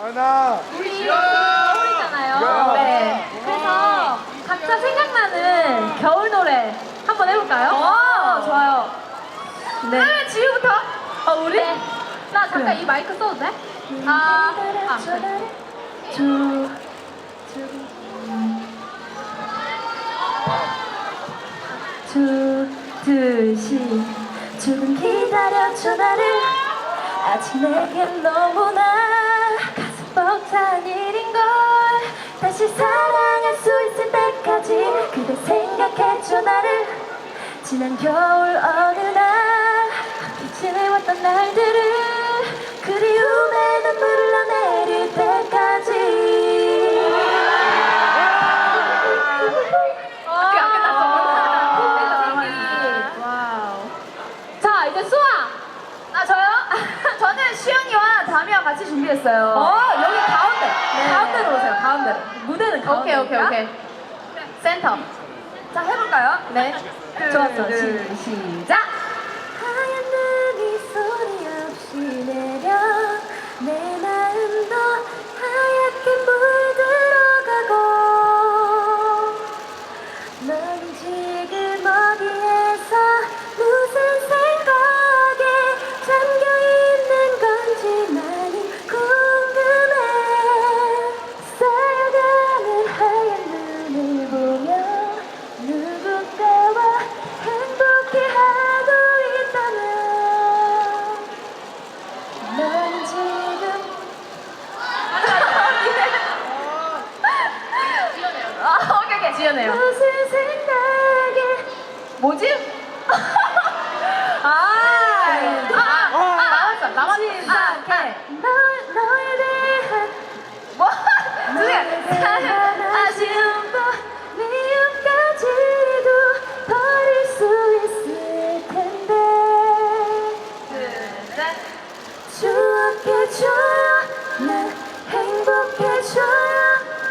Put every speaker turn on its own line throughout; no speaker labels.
하나.
우리 겨울이잖아요. 네. 그래서 각자 생각나는 겨울 노래 한번 해볼까요? 좋아요. 네. 그러면 지우부터. 우리? 네. 나 잠깐
그래.
이 마이크 써도 돼? 그래.
조금 기다려줘 나를 아직 내겐 너무나 가슴 벅찬 일인걸 다시 사랑할 수 있을 때까지 그대 생각해줘 나를 지난 겨울 어느 날 함께 지내왔던 날들을 그리움에 눈물을 흘러내릴 때까지
아직 안 끝났어. 자, 이제 수아. 저요? 저는 시연이와 다미와 같이 준비했어요. 여기 가운데.
네.
가운데로 오세요. 가운데로. 무대는 가운데. 오케이. 센터. 자, 해볼까요? 네. 좋았어. 시작.
하얀 눈이 소리 없이 내려 내 마음도 하얗게 물들어가고 넌 지금 어디에서 무슨 생각에 잠겨있는 건지 많이 궁금해 쌓여가는 하얀 눈을 보며 누군가와 행복해하고 있다면 넌 지금
오케이. 지연해요.
무슨 생각에
뭐지? 나왔어.
너에 대한
뭐?
아쉬움과 미움까지도 버릴 수 있을 텐데 추억해줘요 날 행복해줘요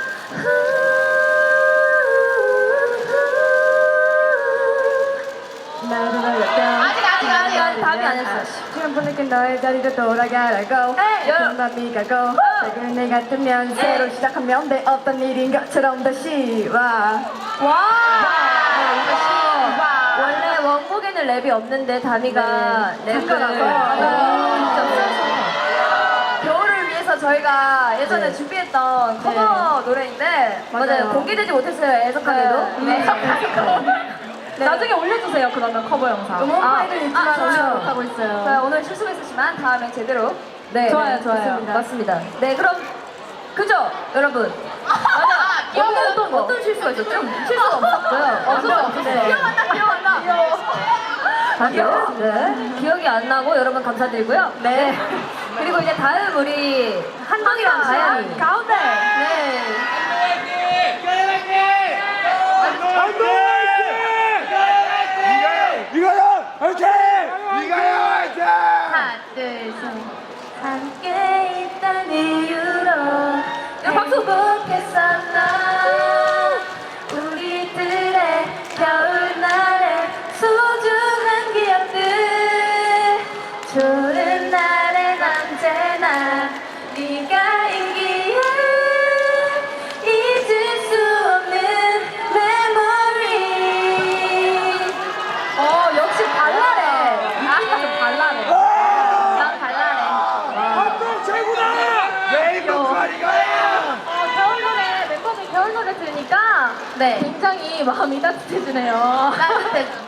나를 알렸다
아직 답이 안 했어.
지금 보내긴 너의 자리로 돌아가라고 맘이 가고 작은 애 같으면 새로 시작하면 돼 어떤 일인 것처럼 다시 와
원래 원곡에는 랩이 없는데 다미가 랩을
아.
직접 써서 겨울을 위해서 저희가 예전에 준비했던 커버 노래인데 맞아요. 공개되지 못했어요. 애석하게도. 나중에 올려주세요. 그러면 커버 영상.
음원 파일은 있지만
좋아요.
올려 못하고 있어요.
자, 오늘 실수했었지만 다음에 제대로.
좋아요.
맞습니다. 네, 그럼 그죠, 여러분. 맞아. 어떤 실수가 있었죠? 실수가 없었고요. 기억? 기억이 안 나고 여러분 감사드리고요. 네. 그리고 이제 다음 우리 한동이랑 가연이. 가운데. 네.
이거요! 화이팅! 이거요! 화이팅!
하나, 둘, 셋.
함께 있던 이유로
박수!
행복했었나 우리들의 겨울날의 소중한 기억들 좋은 날엔 언제나 네가 있기에 잊을 수 없는 메모리
역시 발랄해. 좀 발랄해. 난 발랄해.
한동 최고다! 레인보우 이거예요!
겨울 노래, 멤버들 겨울 노래 들으니까 굉장히 마음이 따뜻해지네요. 따뜻해.